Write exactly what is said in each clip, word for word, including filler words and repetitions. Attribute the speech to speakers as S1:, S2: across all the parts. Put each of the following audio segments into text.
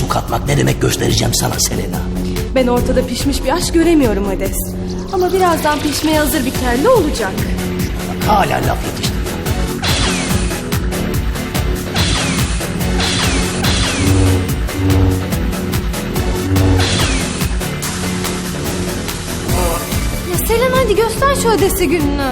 S1: su katmak ne demek göstereceğim sana Selena.
S2: Ben ortada pişmiş bir aşk göremiyorum Hades. Ama birazdan pişmeye hazır bir kelle olacak.
S1: Bak hala laf yetiştiriyor.
S3: Ya Selena hadi göster şu Hades'i gününü.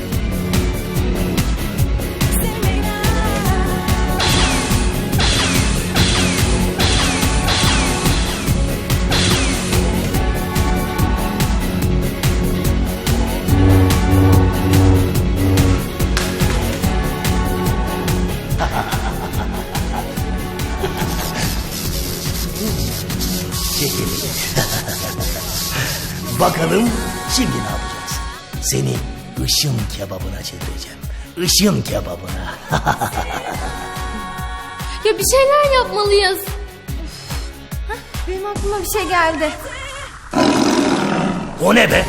S1: Bakalım şimdi ne yapacaksın? Seni ışın kebabına çevireceğim. Işın kebabına.
S3: Ya bir şeyler yapmalıyız. Hah, benim aklıma bir şey geldi.
S1: O ne be?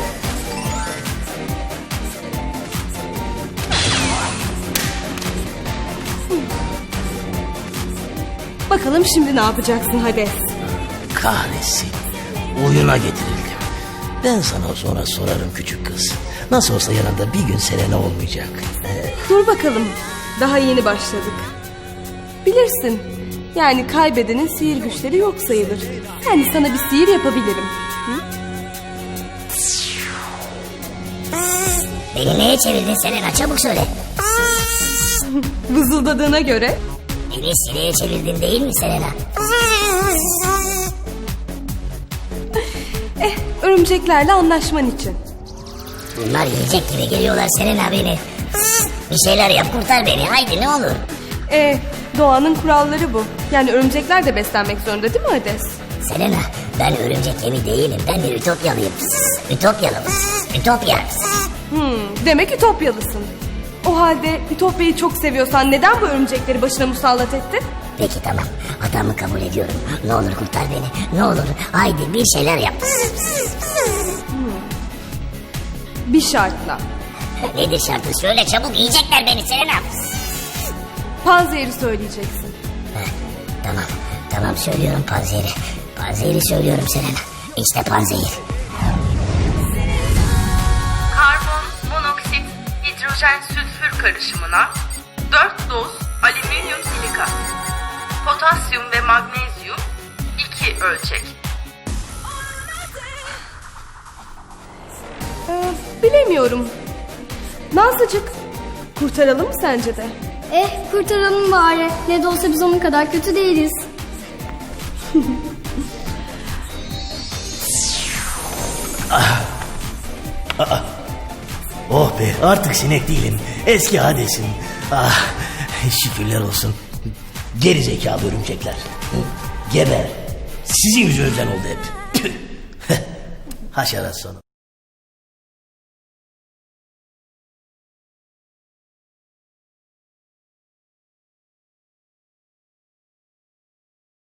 S2: Bakalım şimdi ne yapacaksın Hades?
S1: Kahretsin. Oyuna getirildim. Ben sana sonra sorarım küçük kız. Nasıl olsa yanında bir gün Selena olmayacak. Ee,
S2: Dur bakalım. Daha yeni başladık. Bilirsin. Yani kaybedenin sihir güçleri yok sayılır. Yani sana bir sihir yapabilirim. Hı?
S4: Beni neye çevirdin Selena, çabuk söyle.
S2: Vızıldadığına göre
S4: Beni sineğe çevirdin değil mi Selena?
S2: eh örümceklerle anlaşman için.
S4: Bunlar yiyecek gibi geliyorlar Selena beni. Bir şeyler yap, kurtar beni haydi ne olur.
S2: Eh doğanın kuralları bu. Yani örümcekler de beslenmek zorunda değil mi Hades?
S4: Selena, ben örümcek yemi değilim, ben bir ütopyalıyım. Ütopyalım, ütopya.
S2: Hmm, demek Ütopyalısın. O halde Ütopya'yı çok seviyorsan neden bu örümcekleri başına musallat ettin?
S4: Peki tamam, hatamı kabul ediyorum. Ne olur kurtar beni, ne olur haydi bir şeyler yap.
S2: Bir şartla.
S4: Nedir şartı, söyle çabuk, yiyecekler beni Selena.
S2: Panzehiri söyleyeceksin.
S4: Heh, tamam, tamam söylüyorum panzehiri. Panzehiri söylüyorum Selena. İşte panzehir.
S5: Karbon, monoksit, hidrojen, sülfür karışımına dört doz alüminyum silikat, potasyum ve magnezyum iki ölçek.
S2: Ee, bilemiyorum. Nazlıcık, kurtaralım mı sence de?
S3: Eh kurtaralım bari. Ne de olsa biz onun kadar kötü değiliz.
S1: Oh be, artık sinek değilim. Eski Hades'im. Ah, şükürler olsun. Geri zekalı örümcekler. Geber. Sizin yüzünüzden oldu hep. Haşerat sonu.